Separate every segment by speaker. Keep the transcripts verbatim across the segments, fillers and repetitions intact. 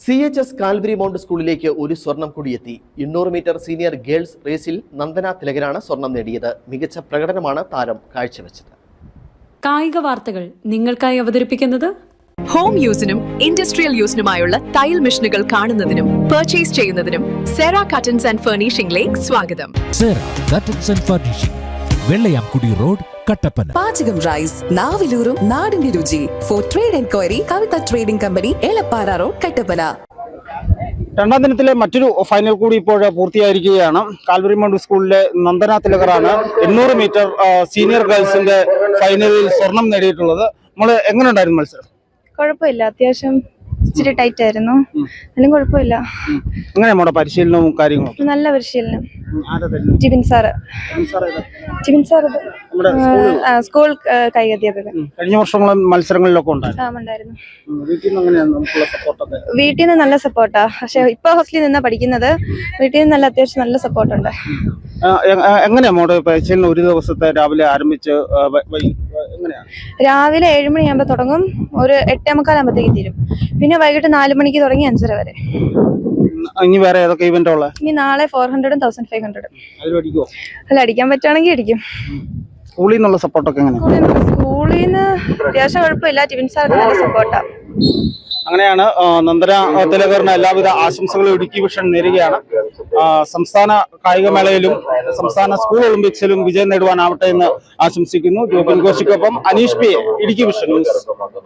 Speaker 1: C H S Calvary mount സ്കൂളിലേക്ക് ഒരു സ്വർണം കൂടിയെത്തി. എണ്ണൂറ് മീറ്റർ സീനിയർ ഗേൾസ് റേസിൽ നന്ദന തിലകനാണ് സ്വർണം നേടിയത്. മികച്ച പ്രകടനമാണ് താരം കാഴ്ചവെച്ചത്.
Speaker 2: കായിക വാർത്തകൾ നിങ്ങൾക്കായി അവതരിപ്പിക്കുന്നത്
Speaker 3: ഹോം യൂസിനും ഇൻഡസ്ട്രിയൽ യൂസിനുമായുള്ള തയ്യൽ മെഷീനുകൾ കാണുന്നതിനും പർച്ചേസ് ചെയ്യുന്നതിനും സെറ കട്ടൻസ് ആൻഡ് ഫർണിഷിംഗിലേക്ക് സ്വാഗതം.
Speaker 4: Sera curtains and furnishing, Vellayamkudi road, Kattappana.
Speaker 5: Pachakam rice, നാവിലൂറും നാടിന്റെ രുചി. For trade enquiry, Kavitha trading company, Elappara road, Kattappana.
Speaker 6: രണ്ടാം ദിനത്തിലെ മറ്റൊരു ഫൈനൽ കൂടി ഇപ്പോൾ പൂർത്തിയായിരിക്കുകയാണ്. കാൽവരി മൗണ്ട് സ്കൂളിലെ നന്ദന തിലകറാണ് എണ്ണൂറ് മീറ്റർ സീനിയർ ഗേൾസിന്റെ ഫൈനലിൽ സ്വർണം നേടിയിട്ടുള്ളത്. നമ്മൾ എങ്ങനെ ഉണ്ടായിരുന്നു മത്സരം?
Speaker 7: കുഴപ്പമില്ല, അത്യാവശ്യം ഇച്ചിരി ടൈറ്റ് ആയിരുന്നു, എന്നാലും കുഴപ്പമില്ല.
Speaker 6: എങ്ങനെ നമ്മുടെ പരിശീലനവും കാര്യങ്ങളും?
Speaker 7: നല്ല പരിശീലനം. Jibin sir Jibin sir school കൈഅധ്യാപകൻ.
Speaker 6: കഴിഞ്ഞ വർഷങ്ങളും മത്സരങ്ങളിലൊക്കെ ഉണ്ടായിരുന്നു.
Speaker 7: വീട്ടിൽ നിന്ന് നല്ല സപ്പോർട്ടാ. പക്ഷെ ഇപ്പൊ ഹോസ്റ്റലിൽ നിന്നാ പഠിക്കുന്നത്. വീട്ടിൽ നിന്ന് നല്ല അത്യാവശ്യം നല്ല സപ്പോർട്ടുണ്ട്.
Speaker 6: എങ്ങനെയാ നമ്മുടെ പരിശീലനം? ഒരു ദിവസത്തെ രാവിലെ ആരംഭിച്ച്
Speaker 7: രാവിലെ ഏഴ് മണിയാകുമ്പോ തുടങ്ങും, ഒരു എട്ടേ മുക്കാലാകുമ്പോഴത്തേക്ക് തീരും. പിന്നെ വൈകിട്ട് നാല് മണിക്ക് തുടങ്ങി അഞ്ചര വരെ.
Speaker 6: ഇനി വേറെ ഏതൊക്കെ ഇവന്റ് ഉള്ളത്?
Speaker 7: ഇനി നാളെ ഫോർ ഹൺഡ്രഡും തൗസൻഡ് ഫൈവ് ഹൺഡ്രഡും. അല്ല, അടിക്കാൻ പറ്റുവാണെങ്കിൽ അടിക്കും.
Speaker 6: സ്കൂളിൽ നിന്നുള്ള സപ്പോർട്ടൊക്കെ എങ്ങനെയാണ്?
Speaker 7: സ്കൂളിൽ നിന്ന് അത്യാവശ്യം കുഴപ്പമില്ല. ടിബിൻ സാർക്ക് നല്ല സപ്പോർട്ടാ.
Speaker 6: അങ്ങനെയാണ് നന്ദന തിലകറിന് എല്ലാവിധ ആശംസകളും ഇടുക്കി വിഷൻ നേരുകയാണ്. സംസ്ഥാന കായികമേളയിലും സംസ്ഥാന സ്കൂൾ ഒളിമ്പിക്സിലും വിജയം നേടുവാനാവട്ടെ എന്ന് ആശംസിക്കുന്നു. ജോബിൻ ഘോഷിക്കൊപ്പം Aneesh P, Idukki vision news.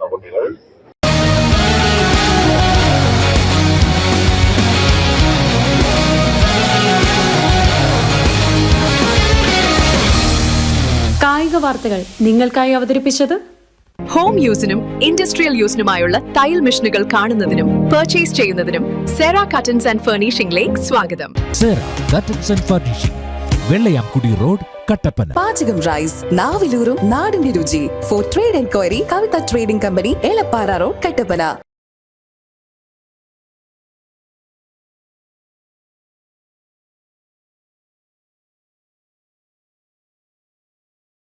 Speaker 2: കായിക വാർത്തകൾ നിങ്ങൾക്കായി അവതരിപ്പിച്ചത്
Speaker 3: ഹോം യൂസിനും ഇൻഡസ്ട്രിയൽ യൂസിനുമായുള്ള തയ്യൽ മെഷീനുകൾ കാണുന്നതിനും പർച്ചേസ് ചെയ്യുന്നതിനും സെറ കട്ടൻസ് ആൻഡ് ഫർണിഷിംഗിലേക്ക് സ്വാഗതം.
Speaker 4: Sera curtains and furnishing, Vellayamkudi road, Kattappana.
Speaker 5: Pachakam rice, നാവിലൂറും നാടിന്റെ രുചി. For trade enquiry, Kavitha trading company, Elappara road, Kattappana.